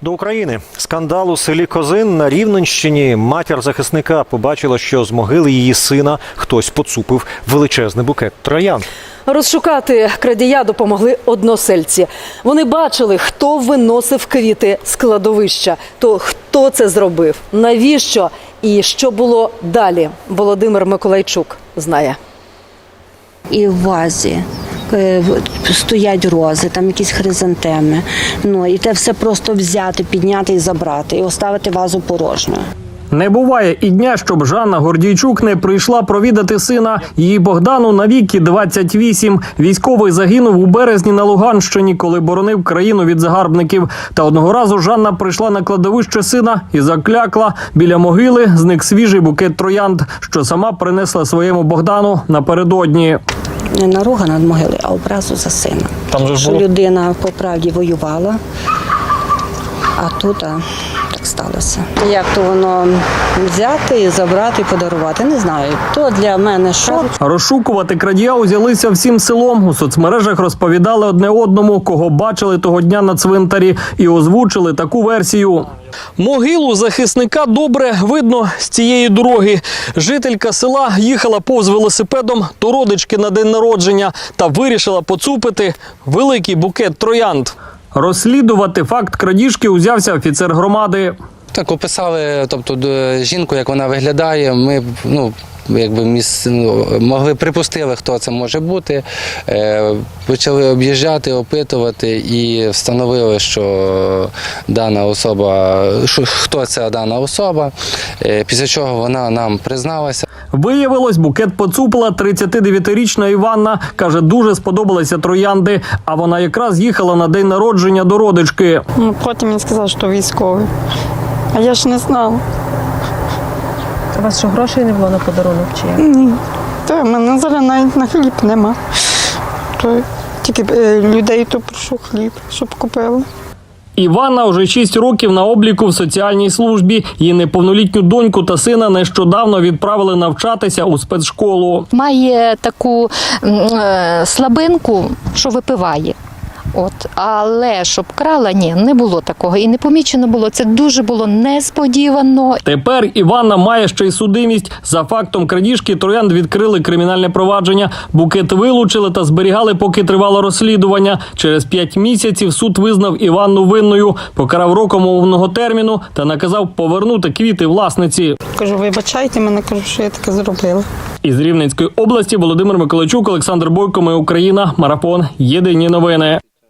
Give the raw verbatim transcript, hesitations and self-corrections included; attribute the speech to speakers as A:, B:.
A: До України. Скандал у селі Козин на Рівненщині. Матір захисника побачила, що з могили її сина хтось поцупив величезний букет троянд.
B: Розшукати крадія допомогли односельці. Вони бачили, хто виносив квіти з кладовища. То хто це зробив, навіщо і що було далі, Володимир Миколайчук знає.
C: І в вазі стоять рози, там якісь хризантеми. Ну, і те все просто взяти, підняти і забрати, і оставити вазу порожньою.
D: Не буває і дня, щоб Жанна Гордійчук не прийшла провідати сина. Її Богдану на віки двадцять вісім. Військовий загинув у березні на Луганщині, коли боронив країну від загарбників. Та одного разу Жанна прийшла на кладовище сина і заклякла. Біля могили зник свіжий букет троянд, що сама принесла своєму Богдану напередодні.
C: Не наруга над могилою, а образу за сина.
D: Там же
C: що було... людина по правді воювала, а тут а, так сталося. Як то воно взяти і забрати, і подарувати, не знаю. То для мене шок.
D: Розшукувати крадія узялися всім селом. У соцмережах розповідали одне одному, кого бачили того дня на цвинтарі, і озвучили таку версію. Могилу захисника добре видно з цієї дороги. Жителька села їхала повз велосипедом до родички на день народження та вирішила поцупити великий букет троянд. Розслідувати факт крадіжки узявся офіцер громади.
E: Так, описали, тобто, жінку, як вона виглядає, ми, ну, якби міс... могли припустили, хто це може бути, е, почали об'їжджати, опитувати і встановили, що дана особа, що, хто ця дана особа, е, після чого вона нам призналася.
D: Виявилось, букет поцупила тридцятидев'ятирічна Іванна. Каже, дуже сподобалися троянди, а вона якраз їхала на день народження до родички.
F: Потім він сказав, що військовий, а я ж не знала.
B: У вас що, грошей не було на подарунок чи як?
F: Ні. Та в мене зараз навіть на хліб нема. То тільки людей то прошу хліб, щоб купили.
D: Іванна вже шість років на обліку в соціальній службі. Її неповнолітню доньку та сина нещодавно відправили навчатися у спецшколу.
G: Має таку е, слабинку, що випиває. От, але щоб крала, ні, не було такого. І не помічено було. Це дуже було несподівано.
D: Тепер Іванна має ще й судимість. За фактом крадіжки троянд відкрили кримінальне провадження. Букет вилучили та зберігали, поки тривало розслідування. Через п'ять місяців суд визнав Іванну винною, покарав роком умовного терміну та наказав повернути квіти власниці.
F: Кажу, вибачайте мене, кажу, що я таке зробила.
D: Із Рівненської області Володимир Миколайчук, Олександр Бойко, Ми Україна, Марафон. Єдині новини.